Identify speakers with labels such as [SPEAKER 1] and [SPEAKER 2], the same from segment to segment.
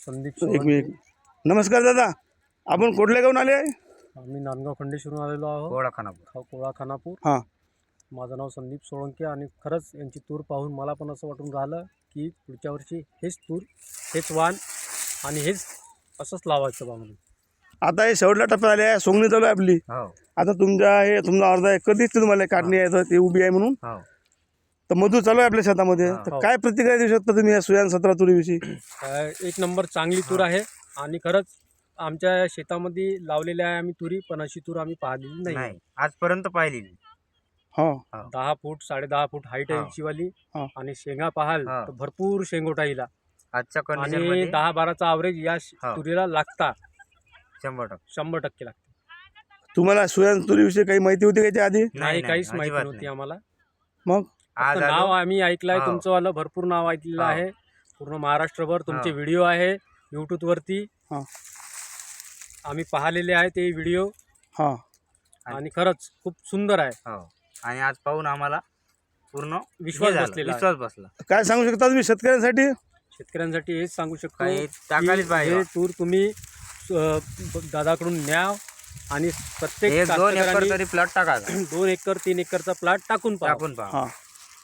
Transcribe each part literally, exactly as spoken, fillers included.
[SPEAKER 1] संदीप
[SPEAKER 2] एक
[SPEAKER 1] सोळंके.
[SPEAKER 2] मिनिट. नमस्कार दादा, आपण कुठल्या गावून आले आहे?
[SPEAKER 1] आम्ही नांदगाव खंडेश्वरून आलेलो आहोत.
[SPEAKER 3] कोळा खानापूर.
[SPEAKER 1] खा- कोळा खानापूर.
[SPEAKER 2] हां
[SPEAKER 1] माझं नाव संदीप सोळंके आणि खरंच यांची तूर पाहून मला पण असं वाटून राहिलं की पुढच्या वर्षी हेच तूर, हेच वाण आणि हेच असंच लावायचं बा म्हणून.
[SPEAKER 2] आता हे शेवटला टप्पा आले आहे, सोंगणी चालू आहे आपली.
[SPEAKER 3] हो
[SPEAKER 2] आता तुमच्या हे तुमचा अर्धा एकर दिसते तुम्हाला काढणी आहे तर ती उभी आहे म्हणून.
[SPEAKER 3] हो
[SPEAKER 2] तर मजूर चालू आहे आपल्या शेतामध्ये.
[SPEAKER 3] हा.
[SPEAKER 2] तर काय प्रतिक्रिया देऊ शकता तुम्ही या सुयान सतरा तुरीविषयी?
[SPEAKER 1] काय एक नंबर चांगली तूर आहे आणि खरंच आमच्या शेतामध्ये लावलेल्या आहे आम्ही तुरी, पण अशी तूर आम्ही पाहिलेली नाही.
[SPEAKER 3] नाही आजपर्यंत पाहिली नाही.
[SPEAKER 2] हा
[SPEAKER 1] दहा फूट साडे दहा फूट हाईट आहे
[SPEAKER 3] हा.
[SPEAKER 1] हिची वाली.
[SPEAKER 2] हा.
[SPEAKER 1] आणि शेंगा पाहाल
[SPEAKER 3] हा.
[SPEAKER 1] तर भरपूर शेंगोटा हिला
[SPEAKER 3] आजच्या कंडिशन
[SPEAKER 1] आणि
[SPEAKER 3] मध्ये
[SPEAKER 1] दहा बाराचा ॲव्हरेज या श-
[SPEAKER 3] हा.
[SPEAKER 1] तुरीला लागता
[SPEAKER 3] शंभर टक्के
[SPEAKER 1] शंभर टक्के लागते.
[SPEAKER 2] तुम्हाला सुयान तुरीविषयी काही माहिती होती का याच्या आधी?
[SPEAKER 1] नाही काहीच माहिती
[SPEAKER 3] अजिबात
[SPEAKER 1] नव्हती
[SPEAKER 3] नाही.
[SPEAKER 1] आम्हाला.
[SPEAKER 2] मग
[SPEAKER 3] आज
[SPEAKER 1] फक्त नाव
[SPEAKER 3] आलो.
[SPEAKER 1] आम्ही ऐकलंय
[SPEAKER 3] हो.
[SPEAKER 1] तुमचं वालं, भरपूर नाव ऐकलेलं
[SPEAKER 3] हो.
[SPEAKER 1] आहे. पूर्ण महाराष्ट्रभर तुमचे
[SPEAKER 3] हो.
[SPEAKER 1] व्हिडिओ आहे यूट्यूब वरती.
[SPEAKER 2] हा
[SPEAKER 1] आम्ही पाहिलेले आहे ते व्हिडिओ
[SPEAKER 2] हा
[SPEAKER 1] आणि खरंच खूप सुंदर आहे.
[SPEAKER 3] हो आणि आज पाहून आम्हाला पूर्ण
[SPEAKER 1] विश्वास
[SPEAKER 3] हे झालं,
[SPEAKER 1] बसलेला आहे.
[SPEAKER 3] विश्वास बसला.
[SPEAKER 2] काय सांगू शकता तुम्ही शेतकऱ्यांसाठी?
[SPEAKER 1] शेतकऱ्यांसाठी हेच सांगू शकतो
[SPEAKER 3] काही
[SPEAKER 1] की
[SPEAKER 3] टाकायलाच पाहिजे.
[SPEAKER 1] हे तूर तुम्ही अ, दादाकडून न्या आणि प्रत्येक
[SPEAKER 3] एक दोन एकर
[SPEAKER 1] कास्तकऱ्यांनी
[SPEAKER 3] तरी प्लॉट टाकायचा.
[SPEAKER 1] दोन एकर तीन एकरचा प्लॉट टाकून पहा.
[SPEAKER 3] टाकून पहा.
[SPEAKER 2] हा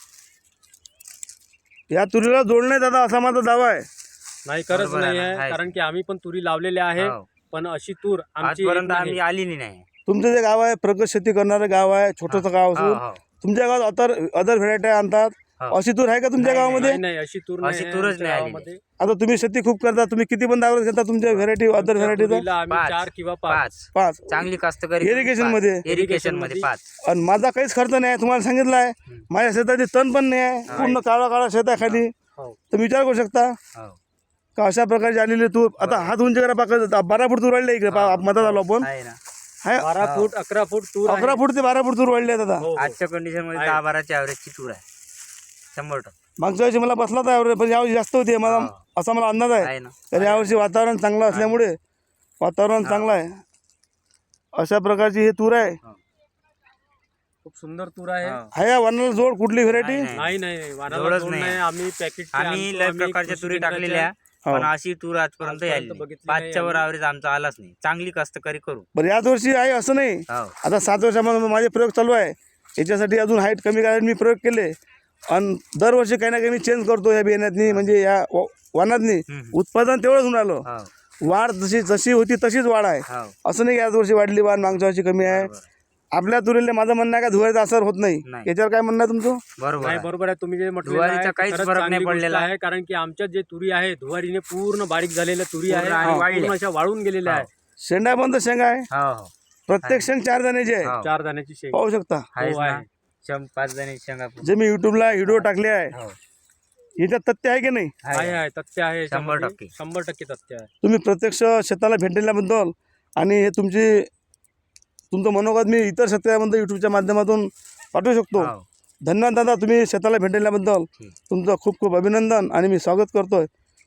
[SPEAKER 2] या तुरीला जोड नाही दादा, असा माझा दावा आहे.
[SPEAKER 1] नाही खरंच
[SPEAKER 3] बरोबर
[SPEAKER 1] नाही
[SPEAKER 3] आहे
[SPEAKER 1] आहे
[SPEAKER 3] ना, आहे.
[SPEAKER 1] कारण की आम्ही पण तुरी लावलेल्या आहे.
[SPEAKER 3] हो.
[SPEAKER 1] पण अशी तूर आमची येत
[SPEAKER 3] आजपर्यंत
[SPEAKER 1] नाही.
[SPEAKER 3] आम्ही आली नाही.
[SPEAKER 2] तुमचं जे गाव आहे प्रगत शेती करणारं गाव आहे, छोटंसं गाव
[SPEAKER 3] हो,
[SPEAKER 2] असून
[SPEAKER 3] हो.
[SPEAKER 2] तुमच्या गावात अदर अदर व्हेरायटी आणतात.
[SPEAKER 3] हो.
[SPEAKER 2] अशी तूर आहे का तुमच्या
[SPEAKER 3] नाही,
[SPEAKER 2] गावामध्ये?
[SPEAKER 1] नाही नाही अशी तूर
[SPEAKER 3] अशी
[SPEAKER 1] नाही
[SPEAKER 3] तूरच
[SPEAKER 1] आमच्या
[SPEAKER 3] नाही आलेली.
[SPEAKER 1] गावामध्ये.
[SPEAKER 2] आता तुम्ही शेती खूप करता, तुम्ही किती पण दावत घेता तुमच्या व्हेरायटी अदर
[SPEAKER 1] आमच्या
[SPEAKER 2] व्हेरायटीचा?
[SPEAKER 1] तुरीला आम्ही
[SPEAKER 3] पाच.
[SPEAKER 1] चार किंवा पाच
[SPEAKER 3] पाच
[SPEAKER 2] पाच.
[SPEAKER 3] चांगली कास्तकरी
[SPEAKER 2] Irrigation मध्ये?
[SPEAKER 3] इरिगेशन मध्ये पाच.
[SPEAKER 2] आणि माझा काहीच खर्च नाही आहे, तुम्हाला सांगितलं आहे. माझ्या शेताची तण पण नाही आहे, पूर्ण काळा काळा शेत आहे खाली.
[SPEAKER 1] हो.
[SPEAKER 2] तर विचार करू शकता
[SPEAKER 3] हो.
[SPEAKER 2] का अशा प्रकारची आलेली तूर. आता हात उंची करा पाका, बारा फूट तूर वाढले इकडे पा- मधात आलो आपण.
[SPEAKER 3] आहे ना.
[SPEAKER 2] हाय,
[SPEAKER 1] बारा फूट अकरा फूट तूर आहे.
[SPEAKER 2] अकरा फूट ते बारा फूट तूर वाढले आहेत आता.
[SPEAKER 1] हो, हो.
[SPEAKER 3] आजच्या कंडिशन मध्ये
[SPEAKER 1] आहे.
[SPEAKER 3] दहा बाराची ॲव्हरेजची तूर आहे. शंभर टक्के
[SPEAKER 2] मागच्या वर्षी मला बसला तर पण यावर्षी जास्त होती मला,
[SPEAKER 3] हा.
[SPEAKER 2] असा मला अंदाज आहे.
[SPEAKER 3] आहे ना.
[SPEAKER 2] तर यावर्षी वातावरण चांगलं असल्यामुळे वातावरण चांगलं आहे. अशा प्रकारची ही तूर आहे.
[SPEAKER 1] खूप सुंदर तूर आहे.
[SPEAKER 3] हो.
[SPEAKER 2] आहे या वनाला जोड कुठली व्हेरायटी?
[SPEAKER 3] नाही,
[SPEAKER 1] नाही नाही वानाला
[SPEAKER 3] जोडच
[SPEAKER 1] जोड
[SPEAKER 3] नाही.
[SPEAKER 1] नाही. आम्ही पॅकेट
[SPEAKER 3] आम्ही लय प्रकारच्या तुरी टाकलेल्या
[SPEAKER 2] हो.
[SPEAKER 3] पण अशी तूर आजपर्यंत
[SPEAKER 1] आजपर्यंत
[SPEAKER 3] आली नाही.
[SPEAKER 1] बघितली
[SPEAKER 3] पाचच्या वर
[SPEAKER 1] नाही
[SPEAKER 3] ॲव्हरेज आमचा आलाच नाही. चांगली कास्तकरी करू.
[SPEAKER 2] बरं याच वर्षी आहे असं नाही.
[SPEAKER 3] हो.
[SPEAKER 2] आता सात वर्षामध्ये माझे प्रयोग चालू आहे. याच्यासाठी अजून हाईट कमी करायला मी प्रयोग केले आणि दरवर्षी काही ना काही मी चेंज करतो या बियाण्यातनी, म्हणजे या व- वनातनी
[SPEAKER 3] हम्म.
[SPEAKER 2] उत्पादन तेवढंच होऊन आलं.
[SPEAKER 3] हो.
[SPEAKER 2] वाढ जशी जशी होती तशीच वाढ आहे.
[SPEAKER 3] हो.
[SPEAKER 2] असं नाही की याच वर्षी वाढली वाढ मागच्या वर्षी कमी आहे.
[SPEAKER 3] बरोबर.
[SPEAKER 2] आपल्या तुरीला माझं म्हणणं आहे का धुवायचा असर होत नाही.
[SPEAKER 3] नाही.
[SPEAKER 2] याच्यावर काय म्हणणं आहे तुमचं?
[SPEAKER 3] बरोबर
[SPEAKER 1] नाही
[SPEAKER 3] आहे.
[SPEAKER 1] बरोबर आहे तुम्ही जे म्हटलं
[SPEAKER 3] धुवारीचा काहीच फरक नाही पडलेला
[SPEAKER 1] आहे. कारण की आमच्या जे तुरी आहे धुवारीने पूर्ण बारीक झालेल्या तुरी आहे
[SPEAKER 3] पूर्ण आणि
[SPEAKER 1] आणि
[SPEAKER 3] वाळल्या.
[SPEAKER 1] पूर्ण अशा वाळून गेलेल्या आहे.
[SPEAKER 2] शेंडा बंद शेंगा आहे,
[SPEAKER 3] हो हो
[SPEAKER 2] प्रत्येक शेंग चार दाण्याची आहे.
[SPEAKER 3] हो.
[SPEAKER 1] चार दाण्याची शेंग
[SPEAKER 2] पाहू शकता.
[SPEAKER 3] आहेच
[SPEAKER 1] हो,
[SPEAKER 3] ना.
[SPEAKER 1] आहे.
[SPEAKER 3] शं- पाच जणी शेंगा
[SPEAKER 2] जे मी युट्यूबला व्हिडिओ टाकले आहे
[SPEAKER 3] हो.
[SPEAKER 2] याच्यात तथ्य आहे की नाही?
[SPEAKER 1] आहे आहे तथ्य आहे
[SPEAKER 3] शंभर
[SPEAKER 1] याच्यामध्ये.
[SPEAKER 3] टक्के.
[SPEAKER 1] शंभर टक्के तथ्य आहे.
[SPEAKER 2] तुम्ही प्रत्यक्ष शेताला भेट दिल्याबद्दल आणि हे तुमची तुमचं मनोगत मी इतर शेतकऱ्यांबद्दल यूट्यूबच्या माध्यमातून पाठवू शकतो.
[SPEAKER 3] हो.
[SPEAKER 2] धन्यवाद दादा, तुम्ही शेताला भेट दिल्याबद्दल
[SPEAKER 3] ठीक.
[SPEAKER 2] तुमचं खूप खूप अभिनंदन आणि मी स्वागत करतोय.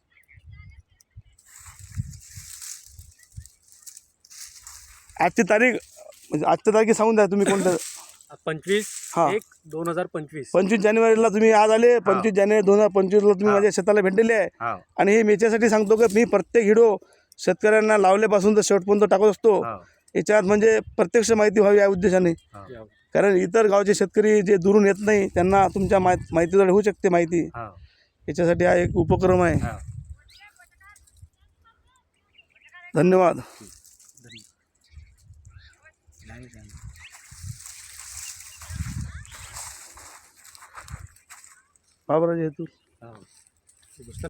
[SPEAKER 2] आजची तारीख म्हणजे आजच्या तारखे सांगून द्या तुम्ही कोणत्या.
[SPEAKER 1] पंचवीस
[SPEAKER 2] हा.
[SPEAKER 1] एक दोन हजार पंचवीस
[SPEAKER 2] पंचवीस जानेवारीला तुम्ही आज आले. पंचवीस जानेवारी दोन हजार पंचवीसला तुम्ही
[SPEAKER 3] हा.
[SPEAKER 2] माझ्या शेताला भेट दिली आहे.
[SPEAKER 3] हो.
[SPEAKER 2] आणि हे मी याच्यासाठी सांगतो की मी प्रत्येक व्हिडिओ शेतकऱ्यांना लावल्यापासून तर शेवटपर्यंत टाकत असतो.
[SPEAKER 3] हो.
[SPEAKER 2] याच्यात म्हणजे प्रत्यक्ष माहिती व्हावी या उद्देशाने.
[SPEAKER 3] हो.
[SPEAKER 2] कारण इतर गावचे शेतकरी जे दुरून येत नाही त्यांना तुमच्या माहि माहितीद्वारे होऊ शकते माहिती.
[SPEAKER 3] हो.
[SPEAKER 2] याच्यासाठी हा एक उपक्रम आहे.
[SPEAKER 3] हो.
[SPEAKER 2] धन्यवाद.
[SPEAKER 3] नाही सांगितलं.
[SPEAKER 2] बाबराजी हेतू
[SPEAKER 3] हो.
[SPEAKER 1] गोष्ट